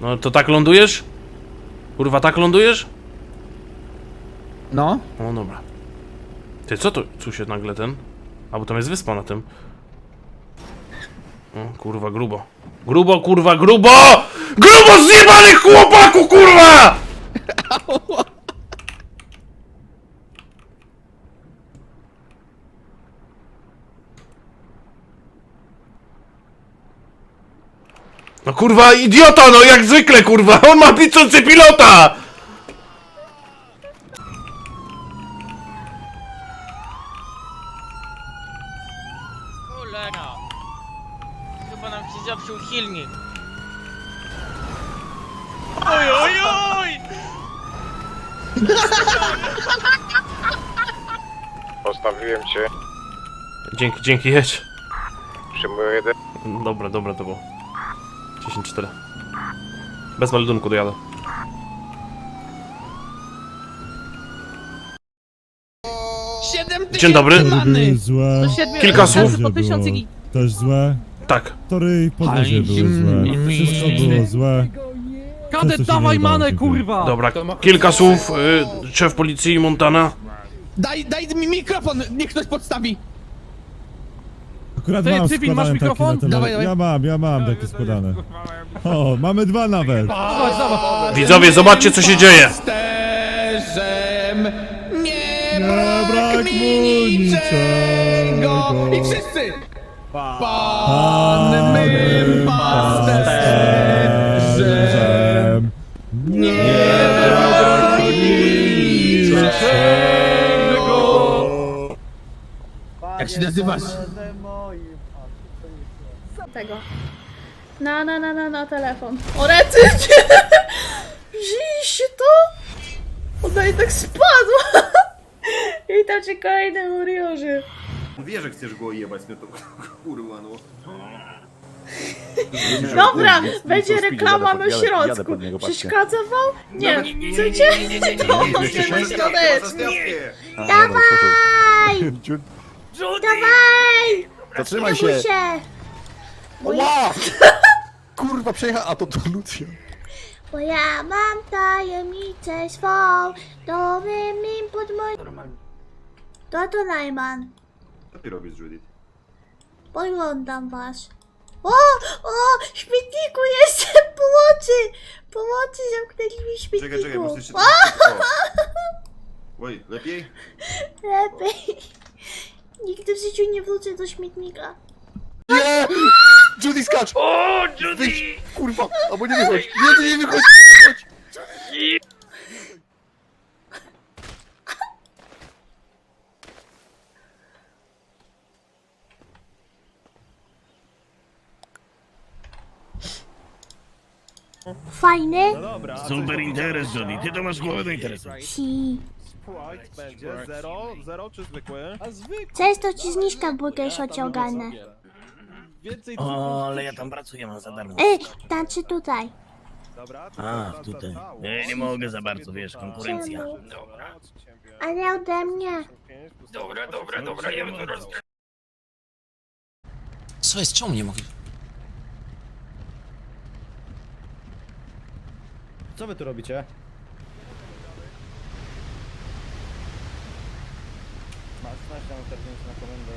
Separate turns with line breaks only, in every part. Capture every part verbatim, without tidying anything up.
No to tak lądujesz? Kurwa, tak lądujesz?
No.
O, dobra. Ty, co to? Tu się nagle ten... A, bo tam jest wyspa na tym. O, kurwa, grubo. Grubo, kurwa, grubo! Grubo zjebanych chłopaku, kurwa! No kurwa, idiota, no jak zwykle, kurwa! On ma piczący pilota!
Cholera! Chyba nam się zepsuł silnik. Oj, oj, oj!
Postawiłem cię.
Dzięki, dzięki, jedź.
Przyjmuję jeden.
Dobra, dobra, to było. dziesięć cztery. Bez meldunku dojadę. Dzień dobry.
Tory były złe.
Kilka słów.
Podwozie było też złe.
Tak.
Tory i podwozie były złe. Wszystko było złe.
Kadet, dawaj manę, kurwa!
Dobra, kilka słów. Y, szef policji Montana.
Daj, daj mi mikrofon, niech ktoś podstawi.
Akurat
Ty,
mam
Cywil, masz
składane takie
mikrofon?
na tele...
Dawaj, dawaj.
Ja mam, ja mam takie składane. O, mamy dwa nawet.
Zobacz, zobacz.
Widzowie, zobaczcie co się dzieje.
Pasterzem nie
Nie
brak
brak
mi
mu
niczego.
niczego.
I wszyscy! Pan mym pasterzem nie brak mi niczego. Jak się nazywasz?
Tego. Na, na, na, na, na telefon. O, rety! Wzięliście to? Ona i tak spadła! I tam cię kolejne uriorzy.
Wie, że chcesz go jebać, mnie to kurwa no.
Dobra, będzie reklama na środku. Przeszkadza wam? Nie, chcecie? To możemy środeczki. Dawaj! Dawaj!
Zatrzymaj
Nie bój
się!
się!
Ła! Kurwa, przejechał, a to to Lucja.
Bo ja mam tajemnicę swą, to mi pod mój... To to Najman.
Co ty robisz, Judith?
Poglądam was. O! O! W śmietniku jestem! Pomocy! Pomocy, zamknęli mi śmietniku.
Czekaj, czekaj, muszę jeszcze...
O!
O. Oj, lepiej?
Lepiej. Nigdy w życiu nie wrócę do śmietnika.
Nie! Judy, skacz!
O, Judy!
Wyjdź, kurwa! Albo nie wychodź! Nie, ty nie wychodź! Chodź.
Fajny?
Super interes, Jody. Ty to masz głowę do interesu.
Si.
Będzie zero, zero czy zwykły?
Cześć, to ci zniżka burger ociągane.
O, ale ja tam pracuję, mam za darmo.
Ej, tańczy tutaj.
A, tutaj. Nie, nie mogę za bardzo, wiesz, konkurencja.
Czemu? Ale ode mnie.
Dobra, dobra, dobra, ja bym to roz...
Co jest? Czemu nie mogę?
Co wy tu robicie? Masz na na komendę.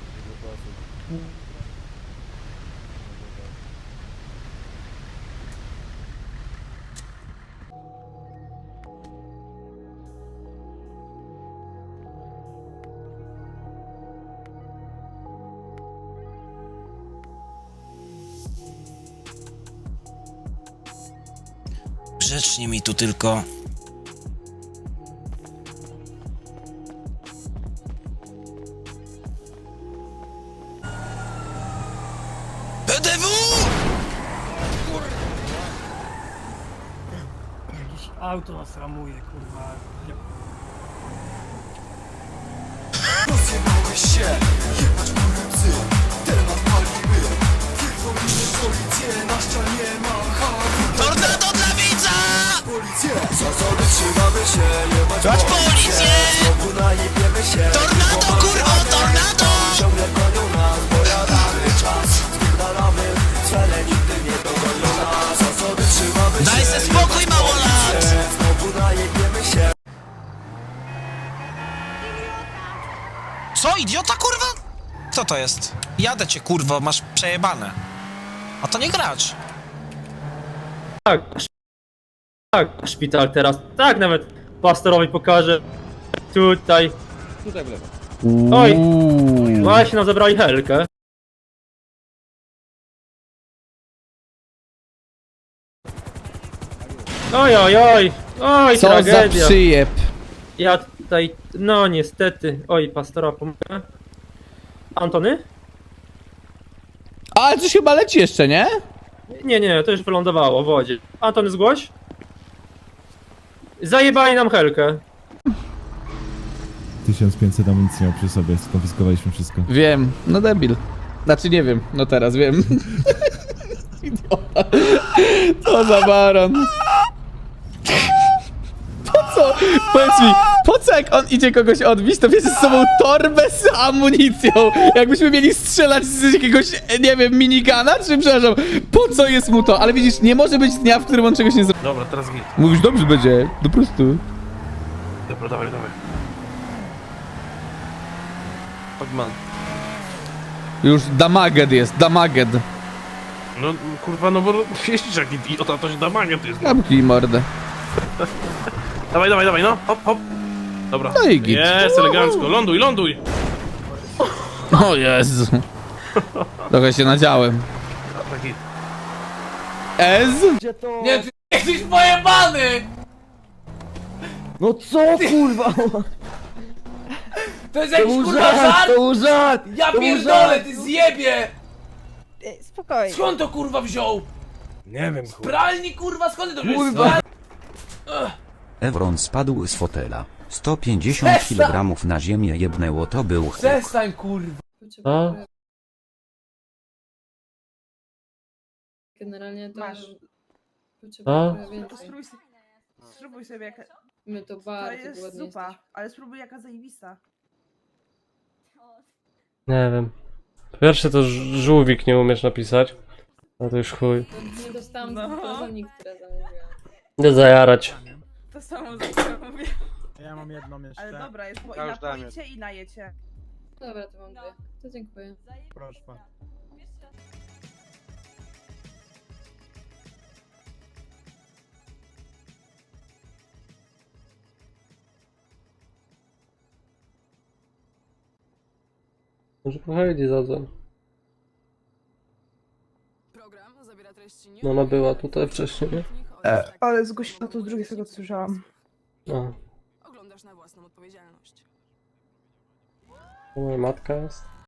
Grzecznie mi tu tylko. P D W!
Auto nas ramuje, kurwa.
Rozjebałeś się! Jebać kurwy psy! Temat palimy! Tylko już policję na ścianie ma hak!
Tornado dla widza!
Policję! Zasady trzymamy się! Jebać
Dać policję!
Znowu najebiemy się!
Tornado, kurwa, tornado!
Ciągle gonią nas, pojadamy czas! Spierdalamy, cele nigdy nie dogonią nas! Zasady trzymamy
Co, idiota, kurwa? Co to jest? Jadę cię, kurwa, masz przejebane. A to nie gracz.
Tak, tak, szpital teraz. Tak, nawet pastorowi pokażę. Tutaj.
Tutaj w lewo.
Oj, właśnie nam zabrali Helkę. Oj, oj, oj, oj,
Co
tragedia.
za przyjeb.
Ja tutaj, no niestety, oj, pastora pomogę. Antony?
Ale coś chyba leci jeszcze, nie?
Nie, nie, to już wylądowało w wodzie. Antony, zgłoś. Zajebali nam Helkę.
tysiąc pięćset amunicji miał przy sobie, skonfiskowaliśmy wszystko.
Wiem, no debil. Znaczy nie wiem, no teraz wiem. Idiota. Co za baron. Po co? Powiedz mi, po co jak on idzie kogoś odbić, to bierze z sobą torbę z amunicją? Jakbyśmy mieli strzelać z jakiegoś, nie wiem, minigana, czy przepraszam, po co jest mu to? Ale widzisz, nie może być dnia, w którym on czegoś nie zrobi.
Dobra, teraz git.
Mówisz, dobrze będzie, po prostu.
Dobra, dawaj, dawaj. Pagman.
Już damaged jest, damaged.
No kurwa, no bo jeździsz jak idiota, to się damagę to jest.
Zamknij mordę.
Dawaj, dawaj, dawaj, no, hop, hop. Dobra.
No i git.
Jest, elegancko, ląduj, ląduj.
O Jezu. Trochę się nadziałem.
Dobra, git.
Ez?
Nie,
ty jesteś pojebany!
No co kurwa?
To jest jakiś kurwa żart!
To był żart!
Ja pierdolę, ty zjebie!
Spokojnie.
Skąd to kurwa wziął?
Nie wiem, kurwa.
Pralni kurwa, skąd to
Kurwa.
Evron spadł z fotela. sto pięćdziesiąt kilogramów na ziemię jebnęło, to był huk.
Przestań kurwa.
A?
Generalnie to
Masz.
A?
Spróbuj, spróbuj sobie jaka...
My to
To
bardzo
jest zupa, ale spróbuj jaka zajebista.
Nie wiem. Po pierwsze to ż- żółwik nie umiesz napisać. A to już chuj.
Nie dostałam
No.
prezent, które zamówiłam.
Nie zajarać.
To samo za mówię.
Ja mam jedną jeszcze.
Ale dobra, jest, bo i
Ja już dałem
napoicie i najecie.
Dobra, to mam dwie. To dziękuję.
Proszę pan.
Może pochodzi zadzwoń. No ona była tutaj wcześniej, nie?
Ale zgłosiła to z drugiej, z tego co słyszałam.
A.
Oglądasz na własną odpowiedzialność.
To moja matka jest.